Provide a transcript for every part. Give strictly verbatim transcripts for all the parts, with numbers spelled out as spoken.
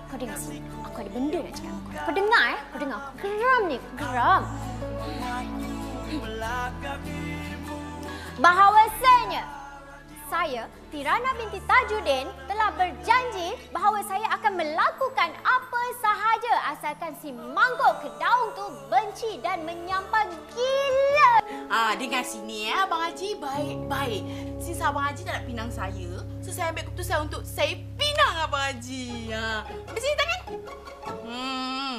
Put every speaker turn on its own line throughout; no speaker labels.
Kau dengar sini. Aku ada benda nak cakap dengan kau. Kau dengar eh? Kau dengar. Aku geram ni. Aku geram. Bahawasanya saya, Tirana binti Tajuddin, telah berjanji bahawa saya akan melakukan apa sahaja asalkan si mangkuk kedaung tu benci dan menyampah gila.
Ah, dengar sini ya, Abang Haji baik-baik. Since Abang Haji tak nak pinang saya, so saya ambil keputusan untuk saya pinang Abang Haji. Ha, ambil sini tangan. Hmm.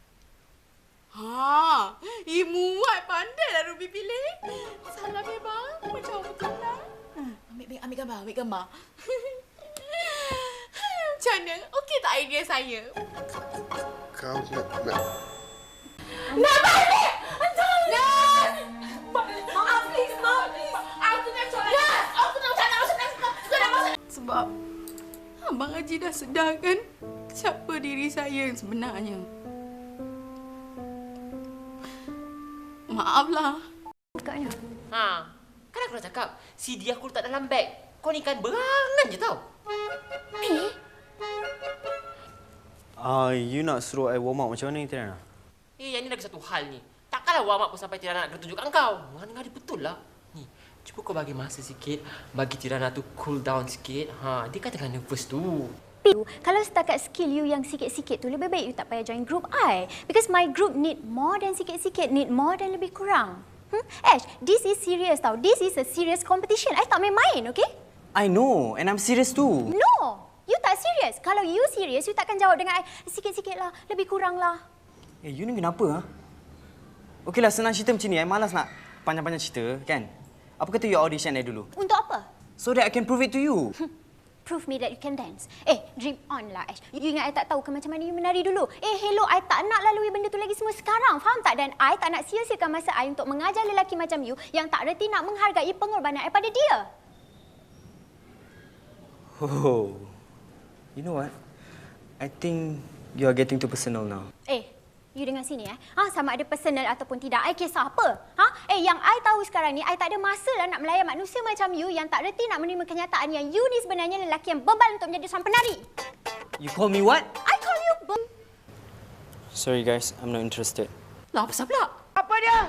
Ha, eh muat pandai lah Ruby pilih. Salam ya bang, macam betul lah. Ambil, ambil gambar, ambil gambar. Macam mana? Okey tak idea saya?
Kau nak... nak...
Nak balik! Nas! Maaf, please, maaf, please. Aku nak solat. Nas! Aku nak solat, nak solat, nak solat. Sebab Abang Haji dah sedar kan siapa diri saya yang sebenarnya. Maaflah.
Bukanya.
Ha, kan aku dah cakap, C D aku letak dalam beg. Kau ni kan berangan je tau.
Eh?
Ah, uh, you nak suruh I warm up macam mana ni, Tirana?
Eh, yang ni lagi satu hal ni. Takkanlah warm up pun sampai Tirana nak kena tunjukkan kau. Ngari-ngari betul lah. Ni, cuba kau bagi masa sikit, bagi Tirana tu cool down sikit. Ha, dia kan tengah nervous tu.
Kalau setakat skill you yang sikit-sikit tu, lebih baik you tak payah join group I. Because my group need more than sikit-sikit, need more than lebih kurang. Hmm? Ash, this is serious tau. This is a serious competition. I tak main-main, okay?
I know, and I'm serious too.
No! You tak serious. Kalau you serious, you takkan jawab dengan I, sikit-sikit lah, lebih kurang lah.
Eh, you ni kenapa? Ha? Okeylah, senang cerita macam ni. I malas nak panjang-panjang cerita, kan? Apa kata you audition I dulu?
Untuk apa?
So that I can prove it to you.
Prove me that you can dance. Eh, dream on lah, Ash. You ingat I tak tahu ke macam mana you menari dulu? Eh, hello, I tak nak lalui benda tu lagi semua sekarang. Faham tak? Dan I tak nak sia-siakan masa I untuk mengajar lelaki macam you yang tak reti nak menghargai pengorbanan I pada dia.
Oh, you know what? I think you are getting too personal now.
Eh, you dengar sini eh. Ha, sama ada personal ataupun tidak, I kisah apa? Ha? Eh, yang I tahu sekarang ni, I tak ada masa lah nak melayan manusia macam you yang tak reti nak menerima kenyataan yang you ni sebenarnya lelaki yang bebal untuk menjadi seorang penari.
You call me what?
I call you be...
Sorry guys, I'm not interested.
Lah, apa pula?
Apa dia?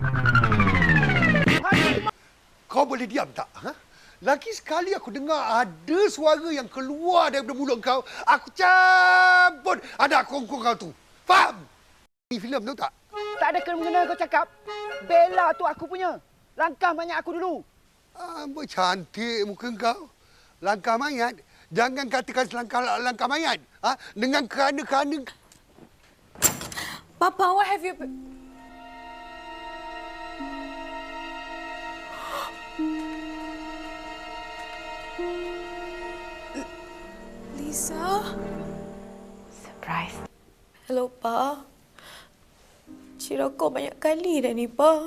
Kau boleh diam tak? Ha? Lagi sekali aku dengar ada suara yang keluar daripada mulut kau, aku cabut ada kongkong kau tu. Faham? Ni filem tahu tak?
Tak ada kena-mengena kau cakap. Bella tu aku punya. Langkah mayat aku dulu.
Amboi, cantik muka kau. Langkah mayat? Jangan katakan langkah langkah mayat. Ha? Dengan kerana-kerana...
Papa, what have you... Lisa?
Surprise.
Hello, Pa. Cira kau banyak kali dah ni, Pa.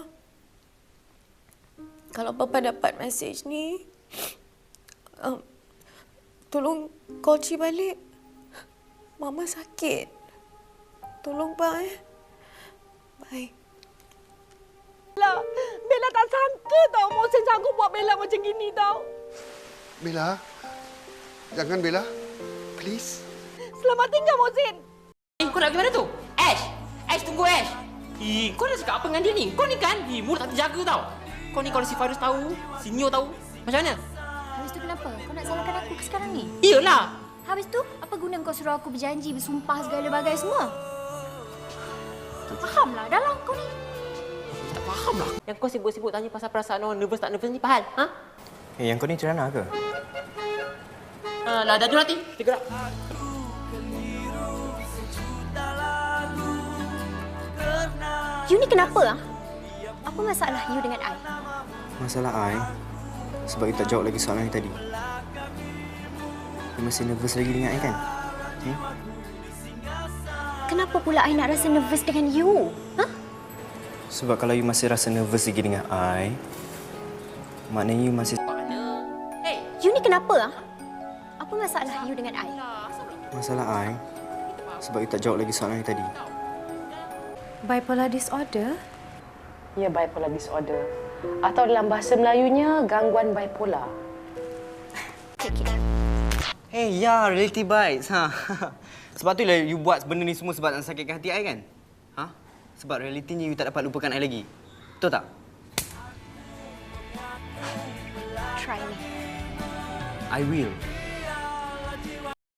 Kalau Papa dapat mesej ni, um, tolong call Ci balik. Mama sakit. Tolong, Pa, eh. Bye.
Bella, Bella tak sangka tau Mohsin sanggup buat Bella macam gini tau.
Bella, jangan Bella. Please.
Selamat tinggal Mohsin.
Eh, kau nak pergi mana tu? Ash! Ash, tunggu Ash! Eh, kau dah cakap apa dengan dia ni? Kau ni kan, eh, mulut tak terjaga tau. Kau ni kalau si Fairuz tahu, si Neo tahu, macam mana?
Habis tu kenapa? Kau nak salahkan aku ke sekarang ni?
Iyalah!
Habis tu, apa guna kau suruh aku berjanji, bersumpah segala bagai semua? Tak fahamlah, dah lah kau ni.
Tak faham lah. Yang kau sibuk-sibuk tanya pasal perasaan orang nervous tak nervous ni, Pahal? Ha?
Eh, yang kau ni Tirana ke?
Ha, lah, dah dulu nanti. Kita gerak.
You ni kenapa? Ha? Apa masalah you dengan I?
Masalah I, sebab you tak jawab lagi soalan yang tadi. You masih nervous lagi dengan I kan? Hmm?
Kenapa pula I nak rasa nervous dengan you? Ha?
Sebab kalau you masih rasa nervous lagi dengan I, maknanya you masih...
Mana? Hey!
You ni kenapa? Ha? Apa masalah you dengan I?
Masalah I, sebab you tak jawab lagi soalan yang tadi.
Bipolar disorder?
Ya, bipolar disorder. Atau dalam bahasa Melayunya, gangguan bipolar.
Okay, okay.
Eh, ya, reality bites. Ha. Sebab tu lah you buat benda ni semua sebab nak sakitkan hati I kan? Ha? Sebab realitinya you tak dapat lupakan I lagi. Betul tak?
Try me.
I will.